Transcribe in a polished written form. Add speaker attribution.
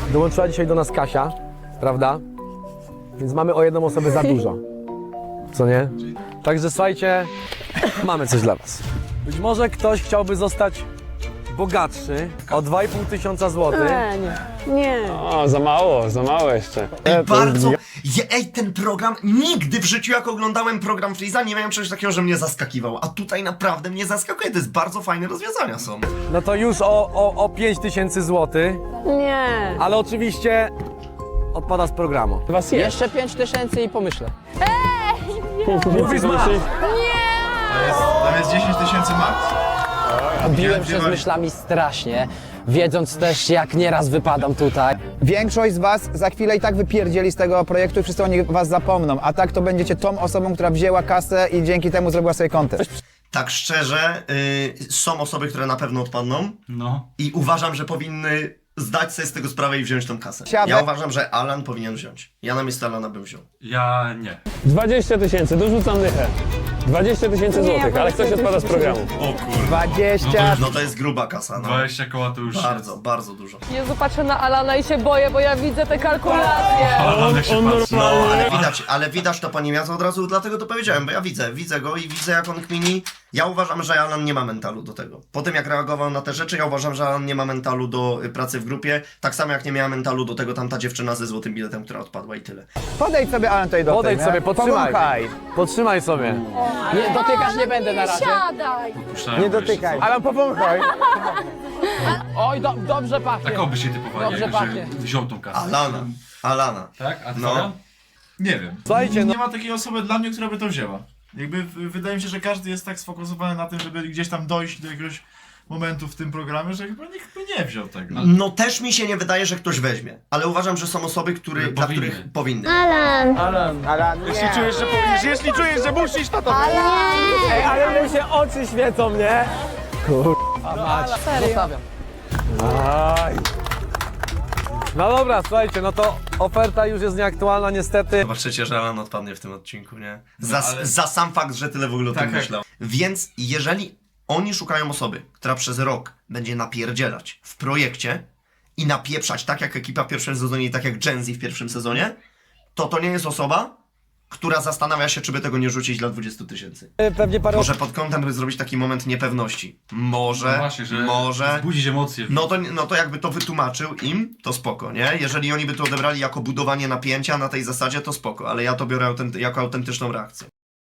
Speaker 1: Dołączyła dzisiaj do nas Kasia, prawda? Więc mamy o jedną osobę za dużo. Co nie? Także słuchajcie, mamy coś dla was. Być może ktoś chciałby zostać bogatszy o 2,5 tysiąca złotych.
Speaker 2: Nie.
Speaker 3: O, za mało jeszcze.
Speaker 4: Bardzo. Ej, ten program, nigdy w życiu jak oglądałem program Freeza, nie miałem czegoś takiego, że mnie zaskakiwał. A tutaj naprawdę mnie zaskakuje. To jest bardzo fajne rozwiązania są.
Speaker 1: No to już o 5 tysięcy złotych,
Speaker 2: Nie.
Speaker 1: ale oczywiście odpada z programu.
Speaker 3: Was jest.
Speaker 5: Jeszcze 5000 i pomyślę.
Speaker 1: Mówisz ma!
Speaker 6: Tam jest 10 tysięcy max.
Speaker 5: Biłem się z myślami strasznie, wiedząc też jak nieraz wypadam tutaj.
Speaker 7: Większość z was za chwilę i tak wypierdzieli z tego projektu i wszyscy o nich was zapomną, a tak to będziecie tą osobą, która wzięła kasę i dzięki temu zrobiła sobie kontent.
Speaker 4: Tak szczerze, są osoby, które na pewno odpadną
Speaker 6: No.
Speaker 4: i uważam, że powinny zdać sobie z tego sprawę i wziąć tą kasę.
Speaker 7: Siadaj.
Speaker 4: Ja uważam, że Alan powinien wziąć. Ja na miejscu Alana bym wziął.
Speaker 6: Ja nie.
Speaker 3: 20 tysięcy, dorzucam dychę. 20 tysięcy złotych, ale ktoś odpada z programu.
Speaker 6: O kurwa.
Speaker 7: 20...
Speaker 4: No to jest gruba kasa, no.
Speaker 6: 20 koła to już
Speaker 4: Bardzo, bardzo dużo.
Speaker 2: Jezu, patrzę na Alana i się boję, bo ja widzę te kalkulacje.
Speaker 6: Ale jak się patrzy.
Speaker 4: No, ale widać to po nim, ja to od razu dlatego to powiedziałem, bo ja widzę go i widzę jak on kmini. Ja uważam, że Alan nie ma mentalu do tego. Po tym jak reagował na te rzeczy, ja uważam, że Alan nie ma mentalu do pracy w grupie, tak samo jak nie miała mentalu do tego tamta dziewczyna ze złotym biletem, która odpadła i tyle.
Speaker 7: Podejdź sobie, Alan, tutaj do
Speaker 1: Podejdź sobie, podtrzymaj.
Speaker 7: Powąchaj.
Speaker 1: Podtrzymaj sobie.
Speaker 5: Nie, dotykać nie będę na razie.
Speaker 7: Nie dotykaj. Alan, powąchaj.
Speaker 5: Oj, dobrze pachnie.
Speaker 6: Tak oby się typowali,
Speaker 5: Dobrze
Speaker 6: jakby
Speaker 5: pachnie.
Speaker 6: że wziął tą kasę.
Speaker 4: Alana.
Speaker 6: Tak? A ty
Speaker 4: No.
Speaker 6: Fabian? Nie wiem.
Speaker 1: Słuchajcie, no
Speaker 8: Nie ma takiej osoby dla mnie, która by to wzięła. Jakby wydaje mi się, że każdy jest tak sfokusowany na tym, żeby gdzieś tam dojść do jakiegoś momentu w tym programie, że chyba nikt by nie wziął tego.
Speaker 4: No też mi się nie wydaje, że ktoś weźmie, ale uważam, że są osoby, dla
Speaker 6: Powinny.
Speaker 4: których powinny.
Speaker 7: Alan, nie.
Speaker 1: jeśli czujesz, że powinieneś, jeśli czujesz, że musisz, to Ej, ale mu się oczy świecą, nie?
Speaker 5: Zostawiam.
Speaker 1: No dobra, słuchajcie, no to oferta już jest nieaktualna niestety.
Speaker 4: Zobaczycie, że Alan odpadnie w tym odcinku, nie?
Speaker 6: ale-
Speaker 4: Za sam fakt, że tyle w ogóle o tym
Speaker 6: Tak.
Speaker 4: myślał. Więc jeżeli oni szukają osoby, która przez rok będzie napierdzielać w projekcie i napieprzać tak jak ekipa w pierwszym sezonie i tak jak Gen Z w pierwszym sezonie, to nie jest osoba, która zastanawia się, czy by tego nie rzucić dla 20 tysięcy.
Speaker 1: Pewnie parę
Speaker 4: Może pod kątem by zrobić taki moment niepewności. Może,
Speaker 6: No właśnie, że
Speaker 4: może...
Speaker 6: wzbudzić emocje.
Speaker 4: No to jakby to wytłumaczył im, to spoko, nie? Jeżeli oni by to odebrali jako budowanie napięcia na tej zasadzie, to spoko, ale ja to biorę jako autentyczną reakcję.